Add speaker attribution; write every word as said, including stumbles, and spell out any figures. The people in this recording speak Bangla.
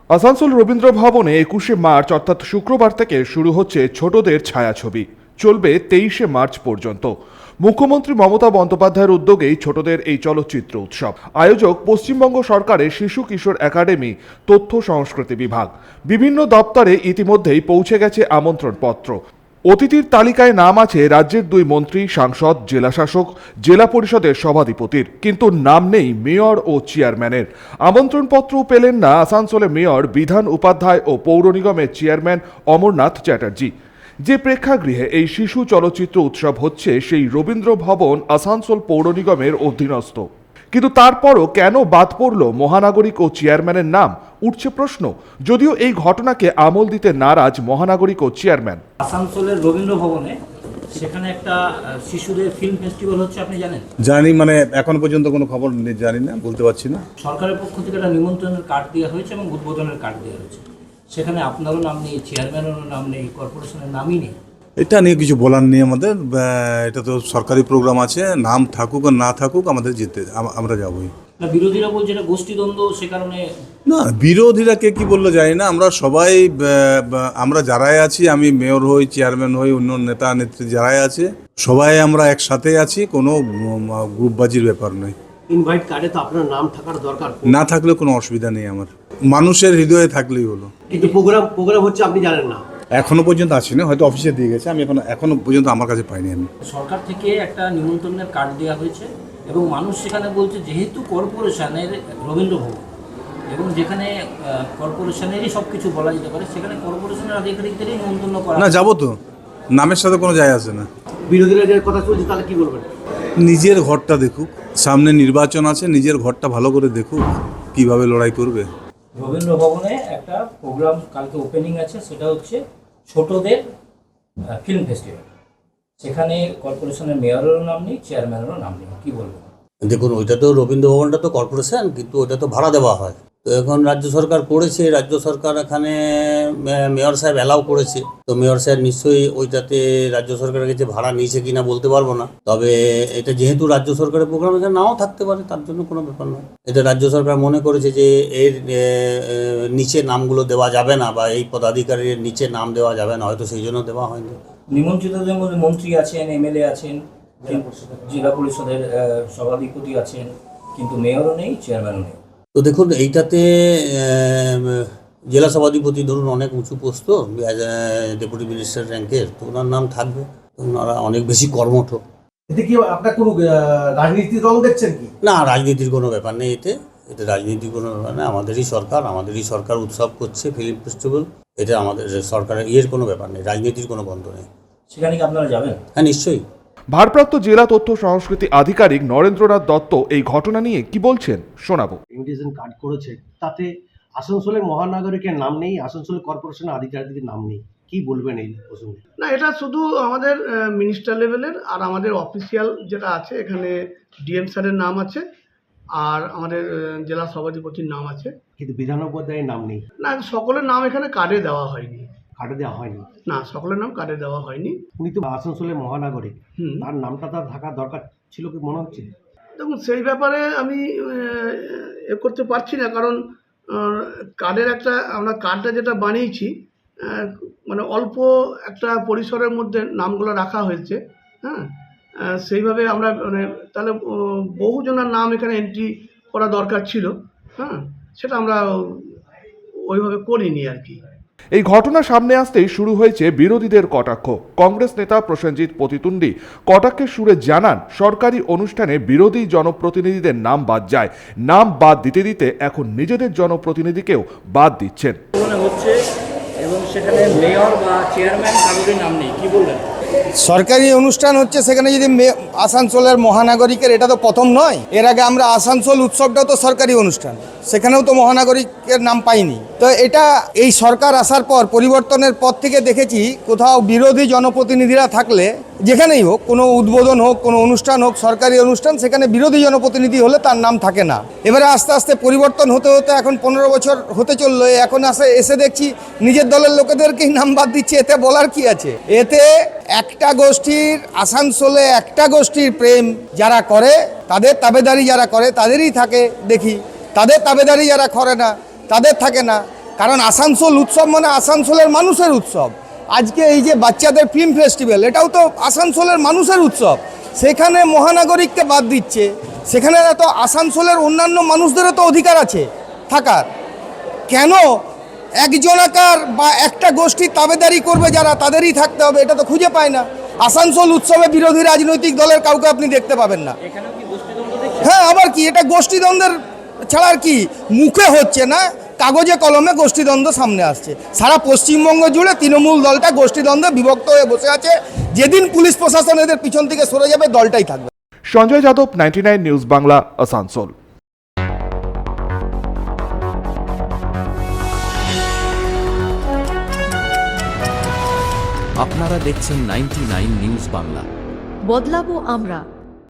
Speaker 1: আসানসোল রবীন্দ্র ভবনে একুশে মার্চ অর্থাৎ শুক্রবার থেকে শুরু হচ্ছে ছোটদের ছায়াছবি। চলবে তেইশে মার্চ পর্যন্ত। মুখ্যমন্ত্রী মমতা বন্দ্যোপাধ্যায়ের উদ্যোগেই ছোটদের এই চলচ্চিত্র উৎসব। আয়োজক পশ্চিমবঙ্গ সরকারের শিশু কিশোর একাডেমি, তথ্য সংস্কৃতি বিভাগ। বিভিন্ন দপ্তরে ইতিমধ্যেই পৌঁছে গেছে আমন্ত্রণপত্র। অতিথির তালিকায় নাম আছে রাজ্যের দুই মন্ত্রী, সাংসদ, জেলাশাসক, জেলা পরিষদের সভাধিপতির, কিন্তু নাম নেই মেয়র ও চেয়ারম্যানের। আমন্ত্রণপত্রও পেলেন না আসানসোলে মেয়র বিধান উপাধ্যায় ও পৌর নিগমের চেয়ারম্যান অমরনাথ চ্যাটার্জি। যে প্রেক্ষাগৃহে এই শিশু চলচ্চিত্র উৎসব হচ্ছে সেই রবীন্দ্র ভবন আসানসোল পৌর নিগমের অধীনস্থ, কিন্তু তারপরও কেন বাদ পড়ল মহানাগরিক ও চেয়ারম্যানের নাম, উঠছে প্রশ্ন। যদিও এই ঘটনাকে আমল দিতে নারাজ মহানাগরিক ও চেয়ারম্যান।
Speaker 2: আসানসোলের রবীন্দ্র ভবনে সেখানে একটা শিশুদের ফিল্ম ফেস্টিভ্যাল হচ্ছে, আপনি জানেন?
Speaker 3: জানি, মানে এখন পর্যন্ত কোনো খবর জানি না, বলতে পারছি না।
Speaker 2: সরকারের পক্ষ থেকে একটা নিমন্ত্রণের কার্ড দেওয়া হয়েছে এবং উদ্বোধনের কার্ড দেওয়া হয়েছে। সেখানে আপনারও নাম নেই, চেয়ারম্যানেরও নাম নেই, কর্পোরেশনের নামই নেই।
Speaker 3: এটা নিয়ে কিছু বলার নেই আমাদের। এটা তো সরকারি প্রোগ্রাম আছে, নাম থাকুক আর না থাকুক আমাদের যেতে, আমরা যাবোই।
Speaker 2: না, বিরোধীরা বলছে এটা গোষ্ঠীদ্বন্দ্ব, সে কারণে।
Speaker 3: না, বিরোধীরা কে কি বললো জানি না। আমরা সবাই, আমরা যারাই আছি, আমি মেয়র হই, চেয়ারম্যান হই, অন্য নেতা নেত্রী যারাই আছে, সবাই আমরা একসাথে আছি, কোনো গ্রুপবাজির ব্যাপার নয়।
Speaker 4: ইনভাইট কার্ডে তো আপনার নাম থাকার দরকার,
Speaker 3: না থাকলে কোনো অসুবিধা নেই আমার, মানুষের হৃদয়ে থাকলেই হলো।
Speaker 4: কিন্তু প্রোগ্রাম প্রোগ্রাম হচ্ছে আপনি জানেন না?
Speaker 3: এখনো পর্যন্ত আসি না, হয়তো অফিসে দিয়ে গেছে, আমি এখন এখনো পর্যন্ত আমার কাছে পাইনি। আমি
Speaker 2: সরকার থেকে একটা নিমন্ত্রণের কার্ড দেওয়া হয়েছে এবং মানুষ সেখানে বলছে যেহেতু কর্পোরেশনের রবীন্দ্র ভবন এবং যেখানে কর্পোরেশনেরই সব কিছু বলা যেতে পারে, সেখানে কর্পোরেশনের আধিকারিকদেরই নিমন্ত্রণ করা।
Speaker 3: না, যাবো তো, নামের সাথে কোনো যায় আসে না।
Speaker 4: বিরোধীরা যে কথা চলছে তাহলে কি বলবেন?
Speaker 3: নিজের ঘরটা দেখুক, সামনে নির্বাচন আছে, নিজের ঘরটা ভালো করে দেখুক কিভাবে লড়াই করবে।
Speaker 2: রবীন্দ্র ভবনে একটা প্রোগ্রাম কালকে ওপেনিং আছে, সেটা হচ্ছে ছোটদের ফিল্ম ফেস্টিভ্যাল। সেখানে কর্পোরেশনের মেয়রেরও নাম নেই, চেয়ারম্যানেরও নাম নেই। কি বলবো?
Speaker 5: দেখুন, ওইটা তো রবীন্দ্র ভবনটা তো কর্পোরেশন, কিন্তু ওইটা তো ভাড়া দেওয়া হয়। তো এখন রাজ্য সরকার করেছে, রাজ্য সরকার এখানে মেয়র সাহেব অ্যালাউ করেছে, তো মেয়র সাহেব নিশ্চয়ই ওইটাতে রাজ্য সরকারের কাছে ভাড়া নিয়েছে কিনা বলতে পারবো না। তবে এটা যেহেতু রাজ্য সরকারের প্রোগ্রাম, এটা নাও থাকতে পারে, তার জন্য কোনো ব্যাপার নয়। এটা রাজ্য সরকার মনে করেছে যে এর নিচে নামগুলো দেওয়া যাবে না, বা এই পদাধিকারীর নিচে নাম দেওয়া যাবে না, হয়তো সেই জন্য দেওয়া হয়নি।
Speaker 2: নিমন্ত্রিতদের মধ্যে মন্ত্রী আছেন, এমএলএ আছেন, জেলা পরিষদের সভাধিপতি আছেন, কিন্তু মেয়রও নেই, চেয়ারম্যানও নেই।
Speaker 5: তো দেখুন, এইটাতে জেলা সভাধিপতি ধরুন অনেক উঁচু পোস্ট, ডেপুটি মিনিস্টার র্যাঙ্কের, তো ওনার নাম থাকবে। ওনারা অনেক বেশি কর্মঠ।
Speaker 4: এতে কি আপনার কোনো রাজনীতির রং দেখছেন কি?
Speaker 5: না, রাজনীতির কোনো ব্যাপার নেই এতে। এতে রাজনীতির কোনো ব্যাপার নেই। আমাদেরই সরকার, আমাদেরই সরকার উৎসব করছে, ফিল্ম ফেস্টিভ্যাল। এটা আমাদের সরকারের ইয়ের কোনো ব্যাপার নেই, রাজনীতির কোনো বন্ধ নেই।
Speaker 2: সেখানে কি আপনারা যাবেন?
Speaker 5: হ্যাঁ, নিশ্চয়ই।
Speaker 1: ভারপ্রাপ্ত জেলা তথ্য সংস্কৃতি আধিকারিক নরেন্দ্রনাথ দত্ত এই ঘটনা নিয়ে কি বলছেন শোনাবো।
Speaker 4: ইনভিটেশন কার্ড করেছে, তাতে আসানসোলের মহানগরীকের নাম নেই, আসানসোল কর্পোরেশনের আধিকারিকের নাম নেই। কি বলবেন এই প্রসঙ্গে?
Speaker 6: না, এটা শুধু আমাদের মিনিস্টার লেভেলের, আর আমাদের অফিসিয়াল যেটা আছে এখানে ডিএম স্যারের নাম আছে, আর আমাদের জেলা সভাধিপতির নাম আছে,
Speaker 4: কিন্তু বিধান উপাধ্যায়ের নাম নেই।
Speaker 6: না, সকলের নাম এখানে কার্ডে দেওয়া হয়নি।
Speaker 4: কার্ডে দেওয়া হয়নি? না,
Speaker 6: সকলের নাম কার্ডে দেওয়া হয়নি।
Speaker 4: উনি তো আসানসোলের মহানগরিক,
Speaker 6: হুম,
Speaker 4: তার নামটা তার থাকার দরকার ছিল কি মনে হচ্ছে?
Speaker 6: দেখুন, সেই ব্যাপারে আমি এ করতে পারছি না, কারণ কার্ডের একটা, আমরা কার্ডটা যেটা বানিয়েছি মানে অল্প একটা পরিসরের মধ্যে নামগুলো রাখা হয়েছে। হ্যাঁ, সেইভাবে আমরা মানে তাহলে বহুজনের নাম এখানে এন্ট্রি করা দরকার ছিল। হ্যাঁ, সেটা আমরা ওইভাবে করিনি আর কি।
Speaker 1: এই ঘটনা সামনে আসতেই শুরু হয়েছে বিরোধীদের কটাক্ষ। কংগ্রেস নেতা প্রসেনজিৎ পতিতুন্ডি কটাক্ষের সুরে জানান, সরকারি অনুষ্ঠানে বিরোধী জনপ্রতিনিধিদের নাম বাদ যায়, নাম বাদ দিতে দিতে এখন নিজেদের জনপ্রতিনিধিকেও বাদ দিচ্ছেন।
Speaker 2: হচ্ছে এবং সেখানে মেয়র বা চেয়ারম্যান কারোরই নাম নেই। কি বলবেন?
Speaker 7: সরকারি অনুষ্ঠান হচ্ছে, সেখানে যদি আসানসোলের মহানাগরিকের, এটা তো প্রথম নয়। এর আগে আমরা আসানসোল উৎসবটাও তো সরকারি অনুষ্ঠান, সেখানেও তো মহানাগরিকের নাম পাইনি। তো এটা এই সরকার আসার পর, পরিবর্তনের পর থেকে দেখেছি, কোথাও বিরোধী জনপ্রতিনিধিরা থাকলে, যেখানেই হোক, কোনো উদ্বোধন হোক, কোনো অনুষ্ঠান হোক, সরকারি অনুষ্ঠান, সেখানে বিরোধী জনপ্রতিনিধি হলে তার নাম থাকে না। এবারে আস্তে আস্তে পরিবর্তন হতে হতে এখন পনেরো বছর হতে চললো, এখন আসে এসে দেখছি নিজের দলের লোকেদেরকেই নাম বাদ দিচ্ছে। এতে বলার কি আছে? এতে একটা গোষ্ঠীর, আসানসোলে একটা গোষ্ঠীর প্রেম যারা করে, তাদের তাবেদারি যারা করে তাদেরই থাকে দেখি, তাদের তাবেদারি যারা করে না তাদের থাকে না। কারণ আসানসোল উৎসব মানে আসানসোলের মানুষের উৎসব। আজকে এই যে বাচ্চাদের ফিল্ম ফেস্টিভ্যাল, এটাও তো আসানসোলের মানুষের উৎসব। সেখানে মহানাগরিককে বাদ দিচ্ছে, সেখানে তো আসানসোলের অন্যান্য মানুষদেরও তো অধিকার আছে থাকার। কেন একজনাকার বা একটা গোষ্ঠী তাবেদারি করবে যারা, তাদেরই থাকতে হবে, এটা তো খুঁজে পায় না। আসানসোল উৎসবে বিরোধী রাজনৈতিক দলের কাউকে আপনি দেখতে পাবেন না। হ্যাঁ, আবার কি এটা গোষ্ঠীদ্বন্দ্বের ছাড়া আর কি? মুখে হচ্ছে না, কাগজে কলমে গোষ্ঠীদ্বন্দ্ব সামনে আসছে। সারা পশ্চিমবঙ্গ জুড়ে তৃণমূল দলটা গোষ্ঠীদ্বন্দ্বে বিভক্ত হয়ে বসে আছে। যেদিন পুলিশ প্রশাসন এদের পিছন থেকে সরে যাবে, দলটাই থাকবে।
Speaker 1: Sanjay Yadav, ninety nine news Bangla, Asansol.
Speaker 8: আপনারা দেখছেন নাইনটি নাইন নিউজ বাংলা।
Speaker 9: বদলাবো আমরা।